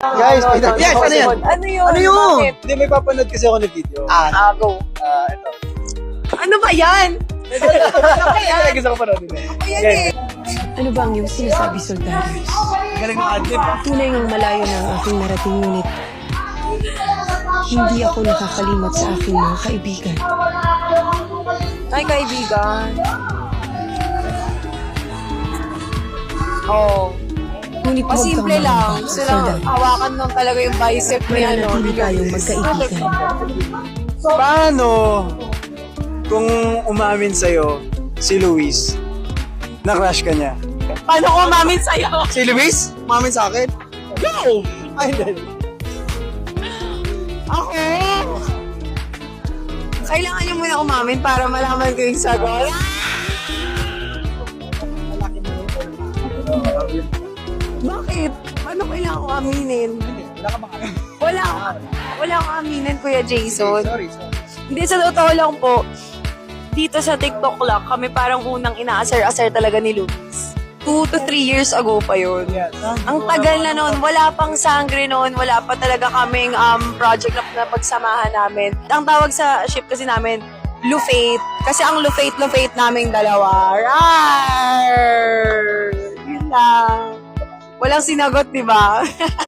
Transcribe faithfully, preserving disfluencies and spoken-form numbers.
Guys, Ano, wait, ano, yes, ano yan? Ano yun? Ano yun? Bakit? Hindi, may papanood kasi ako ng video. Ah, Ah, go. ah, ito. Ano ba yan? Ano ba yan? Kaya gusto ko panood din eh. Ayan Okay. eh. Ano ba ang iyong sinasabi, Soldarius? Galing ng adlib ah. Tunay ngang malayo na ang aking narating, ngunit hindi ako nakakalimot sa aking mga kaibigan. Ay, kaibigan. Oh. Ngunit huwag kang Masimple lang. mangamba, Gusto lang Soldarius. hawakan lang talaga yung bicep ni ano. Mananatili tayong magkaibigan. Paano kung umamin sa'yo si Luis na crush ka niya? Paano ko umamin sa'yo? Si Luis? Umamin sa akin? Go! Ay, hindi. Ako? Kailangan niyo muna umamin para malaman ko yung sagot. Bakit? Paano kailangan ko aminin? Wala ka bang Wala. Wala akong aminin, Kuya Jason. Sorry, sorry. Hindi, sa totoo lang po, dito sa TikTok lang, kami parang unang inaasar-asar talaga ni Luis. Two to three years ago pa yun. Yes. Ang tagal na noon, wala pang sangre noon, wala pa talaga kaming um, project na, na pagsamahan namin. Ang tawag sa ship kasi namin, Lufate. Kasi ang Lufate, Lufate naming dalawa. Rar! Yun lang. Walang sinagot, di ba?